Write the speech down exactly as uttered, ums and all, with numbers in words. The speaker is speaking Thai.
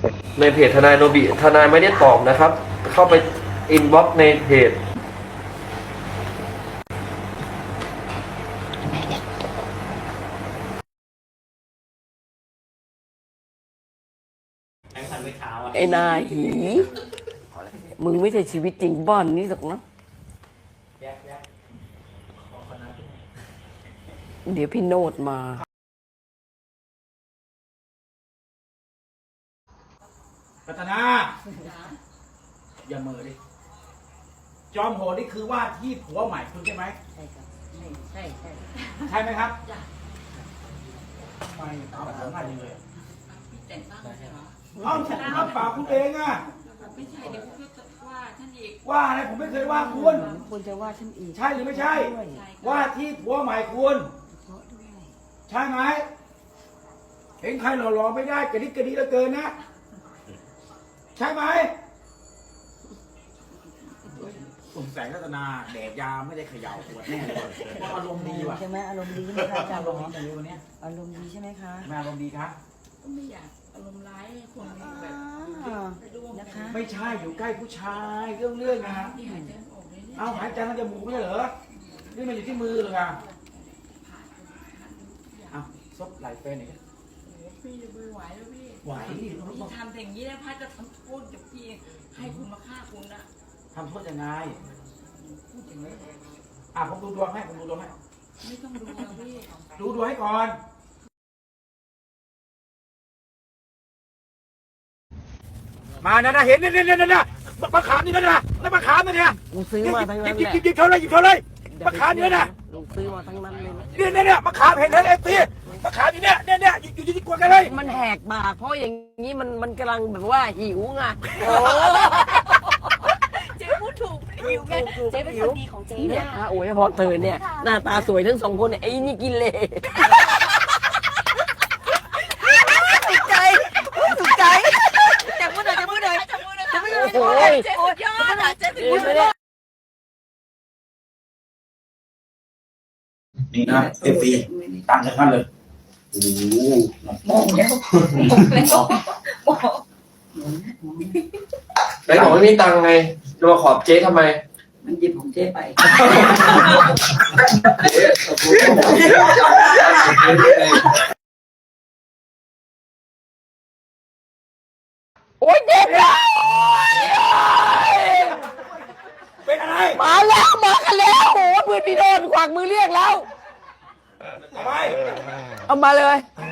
ในเพจทนายโนบิทนายไม่ได้ตอบนะครับ เข้าไปอินบ็อกซ์ในเพจไอ้นายหี มึงไม่ใช่ชีวิตจริงบ้านนี้หรอกนะเดี๋ยวพี่โนดมารัตนาอย่าเมอดิจอมโหดนี่คือว่าที่ผัวใหม่คุณใช่ไหมใช่ครับใช่ใช่ใช่ไหมครับไม่เอาแบบง่ายเลยเอาผมรับปากคุณเองอะไม่ใช่เดี๋ยวคุณจะว่าท่านอีกว่าอะไรผมไม่เคยว่าคุณคุณจะว่าฉันอีกใช่หรือไม่ใช่ว่าที่ผัวใหม่คุณใช่ไหมเห็นใครหล่อๆไม่ได้กระดิกกระดิเหลือเกินนะใช่ไหมผมแสงรัตนาแดดยาไม่ได้เขย่าปวดแน่เลยอารมณ์ดีว่ะใช่ไหมอารมณ์ดีใช่ไหมคะอาจารย์อารมณ์ดีอย่างวันนี้อารมณ์ดีใช่ไหมคะแม่อารมณ์ดีครับก็ไม่อยากอารมณ์ร้ายคนแบบนะคะไม่ใช่อยู่ใกล้ผู้ชายเรื่องเรื่องนะที่หายใจออกเลยเนี่ยเอาหายใจทางจมูกไม่ใช่เหรอนี่มันอยู่ที่มือเลยอ่ะเอาซบไหลเฟนหน่อยพี่จะไม่ไหวแล้วพี่ไหวพี่ทำอย่างนี้แล้วพัดจะทำโทษกับพี่ให้คุณมาฆ่าคุณนะทำโทษยังไงพูดอย่างนี้อ่ะผมดูดวงให้ผมดูดวงให้ไม่ต้องดูแล้วพี่ดูดวงให้ก่อนมานะนะเห็นเนี่ยเนี่ยเนี่ยเนี่ยมะขามนี่นะนะแล้วมะขามนี่เนี่ยกูซื้อมาทั้งนั้นหยิบแหละหยิบหยิบเขาเลยหยิบเขาเลยมะขามเนี่ยนะกูซื้อมาทั้งนั้นเลยนะเนี่ยเนี่ยเนี่ยมะขามเห็นเห็นเอฟซีมะขามอยู่เนี่ยเนี่ยเนี่ยอยู่อยู่ที่กวนกันเลยมันแหกปากเพราะอย่างนี้มันมันกำลังแบบว่าหิวไงเจ๊พูดถูกหิวไงเจ๊เป็นคนดีของเจ๊เนี่เนี่ย ยโอ้ยพอเธอเนี่ยหน้าตาสวยทั้งสองคนเนี่ยไอ้นี่กินเลยถูกใจถูกใจจับมือหน่อยจับมือหน่อยจับมือหน่อยจับมือหน่อยโอ้ยเจ๊สุดยอดอ่ะเจ๊ถึงพูดเลยนี่นะเอฟซีต่างจากกันเลยโอ้โหมองแล้วมองแล้วมองไหนบอกไม่มีตังค์ไงจะมาขอบเจ๊ทำไมมันหยิบของเจ๊ไปโอ้ยเด็กเลยเป็นอะไรมาแล้วมากันแล้วโอ้ยเพื่อนพี่โดนขวากมือเรียกแล้วทำไมเอามาเลยท